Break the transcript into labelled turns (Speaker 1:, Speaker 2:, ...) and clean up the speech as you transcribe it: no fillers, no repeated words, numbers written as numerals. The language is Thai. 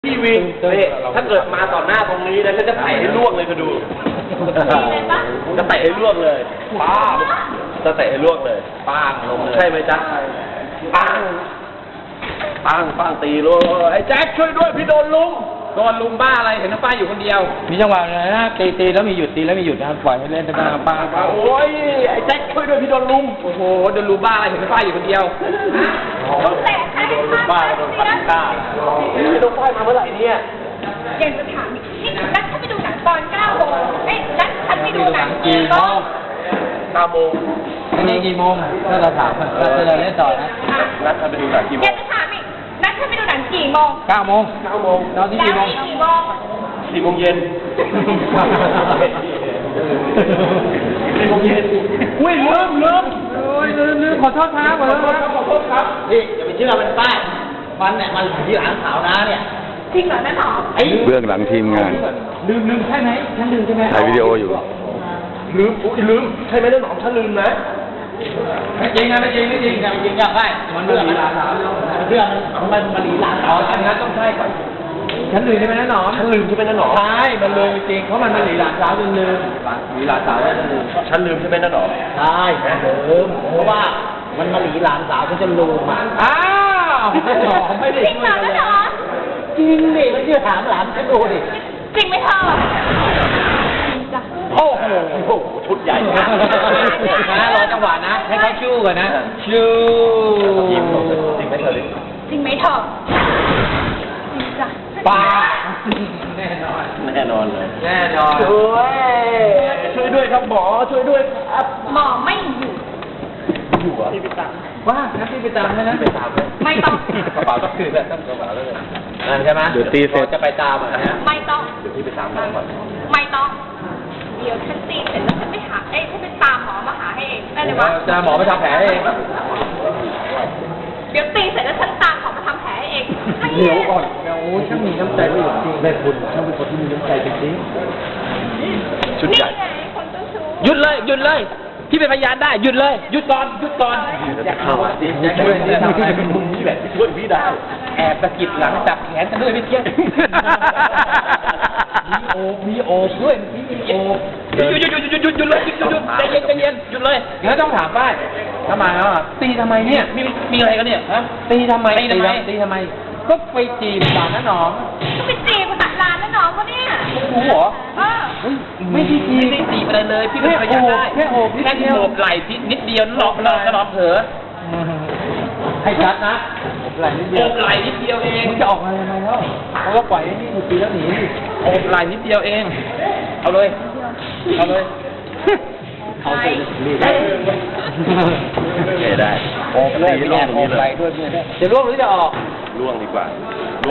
Speaker 1: พี่วินนี่ถ้าเกิดมาต่อหน้าตรงนี้นะฉันจะเตะให้ล่วงเลยก็ดูจะเตะให้ล่วงเลยป้าจะเตะให้ล่วงเลยป้างลงเลยใช่ไหมจ๊ะป้างป้างตีลูกไอ้แจ็คช่วยด้วยพี่โดนลุงบ้าอะไรเห็นน้าป้าอยู่คนเดียว
Speaker 2: มีจังหวะเลยนะตีแล้วมีหยุดตีแล้วมีหยุดนะครับปล่อยให้เล่นได้บ้างป้า
Speaker 1: โอ้ยไอ้แจ็คช่วยด้วยพี่โดนลุงโอ้โหโดนลุงบ้าอะไรเห็นน้าป้าอยู่คนเดียวแต่โดนลุงบ้าโดนพันก้าพี่โดนป้ายมาเมื่อไหร่เนี่ย
Speaker 3: อยากจะถามอีกนี่นัดฉันไปดูหนังตอน9 โมงเอ้ยนัดฉันไปดูหนังกี่โมง
Speaker 1: 9 โมง
Speaker 2: อันนี้กี่โมงถ้าเราถามเราจะเล่นต่อนะ
Speaker 1: นัดท่านไปดูหนังกี่โม
Speaker 3: อยาง กจะถามอีกนัดฉันไปดูหนังกี่โมง
Speaker 2: 9 โมง
Speaker 1: 9 โมง
Speaker 2: เราที่
Speaker 3: แล้ว
Speaker 2: กี่โมง
Speaker 3: นี่กี่โมง
Speaker 1: 4 โมงเย็น 4 โมงเย็นอุ้ยลืมขอโทษครับขอโทษครับ
Speaker 2: นี่อย่าไปเชื่อมันป้ายมันเนี่ยมันที่หลังขาวนะเนี่ย
Speaker 3: จริงเหรอนั่นหรอ
Speaker 4: เบื้องหลังทีมงาน
Speaker 2: ลืมใช่ไหมฉันลืมใช่ไหม
Speaker 4: ถ่ายวิดีโออยู่
Speaker 1: ลืมใช่ไหมเรื่องของฉันลืมนะ
Speaker 2: ไม่จริงนะไม่จริงอยากได้มันเรื่องหลานสาวเรื่องมันหลีหลานสาวอันนั้นต้องใช่ก่อนฉันลืมใช่ไหมนะหนอ
Speaker 1: ฉันลืมใช่ไหมนั่นหรอ
Speaker 2: ใช่มันลืมจริงเพราะมันหลีหลานสาวจนลืมหลีหลานสาวจนลืม
Speaker 1: ฉันลืมใช่ไหมนั่นหรอ
Speaker 2: ใช่ลืมเพราะว่ามันมาหลีหลานสาวจนลืมอ่ะอ้าวไม่ได้
Speaker 3: จริงเหรอนั่นหรอ
Speaker 2: จริงดิไม่เชื่อถามหลานฉันดูดิ
Speaker 3: จริงไหมเธอจริงจ้ะ
Speaker 1: โอ้โหชุดใหญ่
Speaker 2: นะรอจังหวะนะให้เขาชู้ก่อนนะชู้
Speaker 1: จริงไหมเธอ
Speaker 3: จริงไหมเธอจริงจ้ะ
Speaker 2: ป้า
Speaker 1: แน่นอนเลย
Speaker 2: แน่นอน
Speaker 1: ช่วยด้วยครับหมอช่วยด้วยครับ
Speaker 3: หมอไม่อยู่
Speaker 1: อยู่อ่ะพี่ไปตาม
Speaker 2: ว่านะพี่ไปตามไหมนะ
Speaker 1: ไปตามไหม
Speaker 3: ไม่ต้อง
Speaker 1: กระเป๋าต้องคืนแล้วต้องกระเป๋าแล้วเลย
Speaker 2: นั่นใช่ไหม
Speaker 4: เดี๋ยวตีเสร็จ
Speaker 2: จะไปตามอ่ะนะ
Speaker 3: ไม่ต้อง
Speaker 1: เดี๋ยวพี่ไปตามหมอก่อน
Speaker 3: ไม่ต้อง เดี๋ยวฉันตีเสร็จแล้วฉันไปหาฉันไปตามหมอมาหาให้เองได้เลยวะ
Speaker 2: จะหมอไปทำแผลเอง
Speaker 3: เดี๋ยวตีเสร็จแล้วฉันตามหมอมาทำแผลให้เอง
Speaker 2: เดี๋ยวก่อนโอ้ช่างมีน้ำใจไม่หยุดจริงแม่คุณช่างเป็นคนที่มีน้ำใจจริง
Speaker 1: ชุด
Speaker 3: นี่
Speaker 1: ใหญ่
Speaker 3: ไงคนเจ้าชู้
Speaker 2: หยุดเลยพี่เป็นพยานได้หยุดเลยหยุดก่อนอย่าเข้าอ่ะดิช่วยนี่ทำไม
Speaker 1: นี่แหละที่ช่วยพี่ได้
Speaker 2: แอบสะกิดหลังจับแขนกันด้วยพี่เกี้ยมีโอบด้วยมีโอบหยุดเลยใจเย็นหยุดเลยงั้นต้องถามป้ายทำไมอ่ะตีทำไมเนี่ยมีอะไรกันเนี่ยฮะตีทำไมก็ไปจีบหลานนะน้อง
Speaker 3: ก็ไปจีบภาษาลานแล้วน้องเขาเนี่ย
Speaker 2: รู้เหรอ
Speaker 3: ไม่ได้
Speaker 2: ไม่ได้จีบอะไรเลยพี่เป็นพยานได้แค่โอบไหล่นิดเดียวหลอกกระดองเผลอให้ชัดนะโอบไหล่นิดเดียวเองมึงจะออกมาทำไมแล้วเพราะว่าปล่อยให้นี่ถูกตีแล้วหนีโอบไหล่นิดเดียวเองเอาเลยเอาสิรีบได้
Speaker 1: โอบเลย
Speaker 2: แอบโอบไหล่ด้วยจะร่วงหรือจะออก
Speaker 1: ล่วงดีกว่า